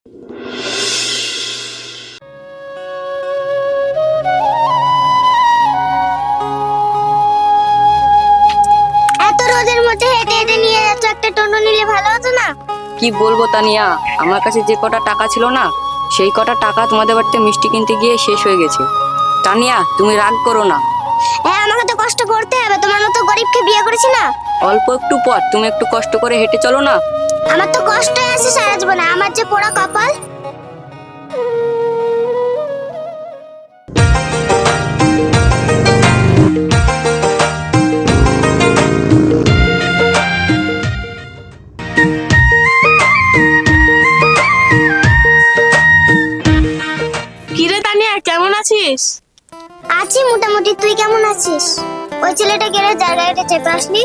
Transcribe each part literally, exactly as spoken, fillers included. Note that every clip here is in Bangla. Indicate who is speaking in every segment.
Speaker 1: এত রোদের মধ্যে হেঁটে হেঁটে নিয়ে যাচ্ছ, একটা টোটো নিলে ভালো হতো না?
Speaker 2: কি বলবো তানিয়া, আমার কাছে যে কটা টাকা ছিল না, সেই কটা টাকা তোমাদের বাড়িতে মিষ্টি কিনতে গিয়ে শেষ হয়ে গেছে। তানিয়া, তুমি রাগ করো না।
Speaker 1: হ্যাঁ, আমাকে তো কষ্ট করতে হবে, তোমার মতো গরিবকে বিয়ে করেছি না।
Speaker 2: অল্প একটু পথ, তুমি একটু কষ্ট করে হেঁটে চলো না।
Speaker 1: আমার তো কষ্টই আছে সারা জীবনে, আমার যে পোড়া কপাল।
Speaker 3: কিরে তানিয়া, কেমন আছিস?
Speaker 1: আছি মোটামুটি, তুই কেমন আছিস? ওই ছেলেটা গেলে যার গাড়িটা চেপে আসলি?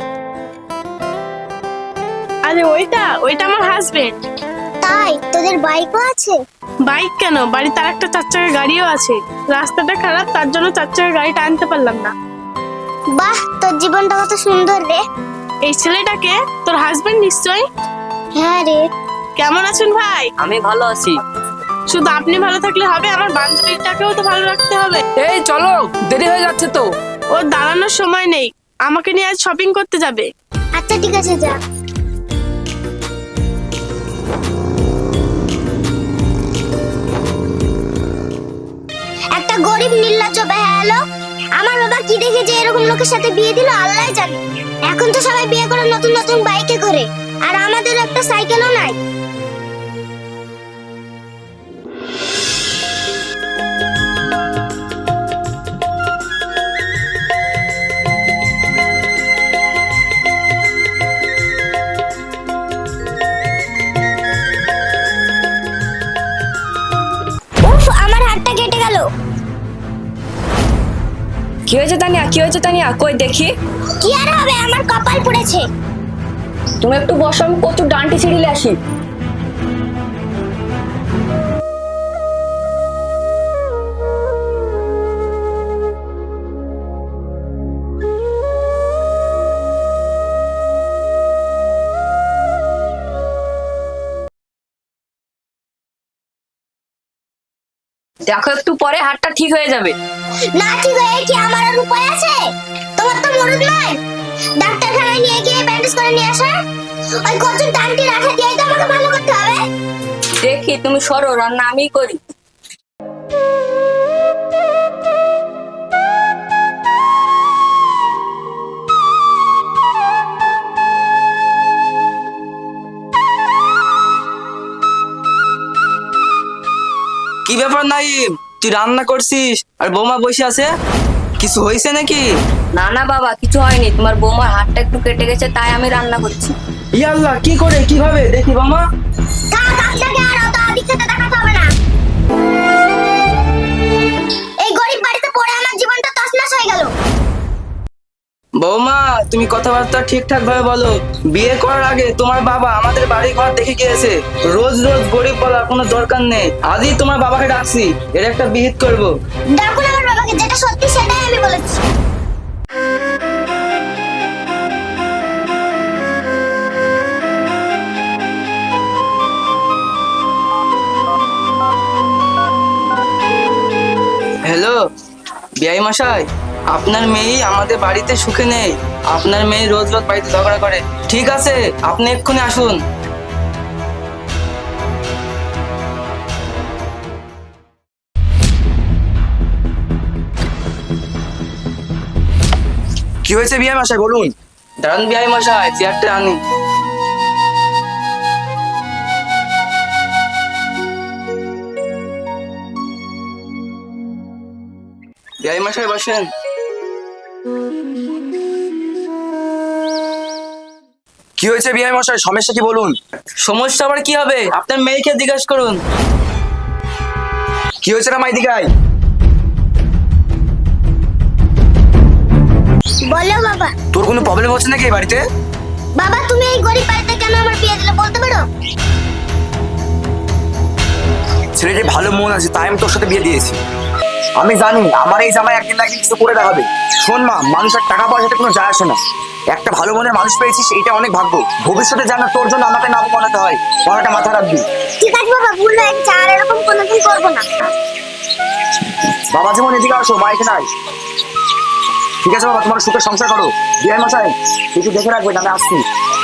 Speaker 3: আরে ওইটা ওইটা আমার হাজবেন্ড।
Speaker 1: তাই? তোদের বাইকও আছে?
Speaker 3: বাইক কেন, বাড়িতে আর একটা চার চাকার গাড়িও আছে। রাস্তাটা খারাপ, তার জন্য চার চাকার গাড়িটা আনতে পারলাম না।
Speaker 1: বাহ, তোর জীবনটা কত সুন্দর রে।
Speaker 3: এই ছেলেটাকে তোর হাজবেন্ড নিশ্চয়?
Speaker 1: হ্যাঁ রে।
Speaker 3: কেমন আছেন ভাই?
Speaker 2: আমি ভালো আছি।
Speaker 3: শুধু আপনি ভালো থাকলে হবে, আমার বান্ধবীটাকেও তো ভালো রাখতে হবে।
Speaker 4: এই চলো, দেরি হয়ে যাচ্ছে তো।
Speaker 3: ওর দাঁড়ানোর সময় নেই, আমাকে নিয়ে আজ শপিং করতে যাবে।
Speaker 1: আচ্ছা ঠিক আছে, যা। একটা গরিব নির্লজ্জ বেহায়া লোক, আমার বাবা কি দেখে যে এরকম লোকের সাথে বিয়ে দিল আল্লাহই জানে। এখন তো সবাই বিয়ে করে নতুন নতুন বাইকে করে, আর আমাদের একটা সাইকেলও নাই। উফ, আমার হাতটা কেটে গেল।
Speaker 2: কি হয়েছে তানিয়া, কি হয়েছে তানিয়া, কই দেখি।
Speaker 1: কি আর হবে, আমার কপাল পুড়েছে।
Speaker 2: তুমি একটু বসো, আমি কচুর ডান্টি ছিঁড়িলে আসি। দেখো, একটু পরে হাতটা ঠিক হয়ে যাবে।
Speaker 1: না ঠিক হয়ে কি আমার আর উপায় আছে? তোমার তো মরদ নয়, ডাক্তারখানায় নিয়ে গিয়ে ব্যান্ডেজ করে নিয়ে আসা। ওই কচুর টানটি রাখা দিয়ে তো আমাকে ভালো করতে হবে।
Speaker 2: দেখি, তুমি সরো, রান্না আমিই করি।
Speaker 4: কি ব্যাপার নাইম, তুই রান্না করছিস আর বৌমা বসে আছে? কিছু হয়েছে নাকি?
Speaker 2: না না বাবা, কিছু হয়নি, তোমার বৌমার হাতটা একটু কেটে গেছে, তাই আমি রান্না করছি।
Speaker 4: ইয়াল্লাহ, কি করে, কিভাবে দেখি বৌমা।
Speaker 1: থাক, আপনাকে আর অত আদিক্ষেতা দেখাতে হবে না। এই গরিব বাড়িতে পড়ে আমার জীবনটা তছনছ হয়ে গেল।
Speaker 4: বৌমা, তুমি কথাবার্তা ঠিকঠাক ভাবে বলো। বিয়ে করার আগে তোমার বাবা আমাদের বাড়ি ঘর দেখে গিয়েছে। রোজ রোজ গরিব বলার কোনো দরকার নেই। আজই তোমার বাবাকে ডাকছি, এর একটা বিহিত করবো।
Speaker 1: ডাকুন আমার বাবাকে, যেটা সত্যি সেটাই আমি বলেছি।
Speaker 4: হ্যালো বিআই মশাই, আপনার মেয়ে আমাদের বাড়িতে সুখে নেই। আপনার মেয়ে রোজ রোজ বাড়িতে ঝগড়া করে। ঠিক আছে, আপনি এক্ষুনি আসুন।
Speaker 5: কি হয়েছে বিআই মশাই, বলুন।
Speaker 4: দাঁড়ান বিআই মশাই, চেয়ারটা আনি। বিআই মশাই বসেন।
Speaker 5: কি হয়েছে বিআই মশাই, সমস্যা কি বলুন।
Speaker 4: সমস্যা আবার কি হবে, আপনার মেয়েকে জিজ্ঞাসা করুন।
Speaker 5: কি হয়েছে না মাই দিঘাই?
Speaker 1: বলো বাবা।
Speaker 5: তোর কোনো প্রবলেম হচ্ছে নাকি এই বাড়িতে?
Speaker 1: বাবা, তুমি এই গরিব বাড়িতে কেন আমার বিয়ে দিলে বলতে পারো?
Speaker 5: ছেলেটি ভালো মন আছে, তাই আমি তোর সাথে বিয়ে দিয়েছি। আমি জানি আমার এই জামাই একদিন না একদিন কিছু করে দেখাবে। শোন মা, মানুষের টাকা পয়সাতে কোনো যায় আসে না। একটা ভালো মনের মানুষ পেয়েছিস, এইটা অনেক ভাগ্য। ভবিষ্যতে যেন তোর জন্য আমাকে না বানাতে হয়, কথাটা মাথায় রাখবি।
Speaker 1: ঠিক আছে বাবা, ভুল হয়ে গেছে, আর এরকম কোনোদিন করবো না।
Speaker 5: বাবা যেমন এদিকে আসো, মা এখানে আয়। ঠিক আছে বাবা, তোমার সুখে সংসার করো। বিআই মশাই একটু দেখে রাখবেন, আমি আসছি।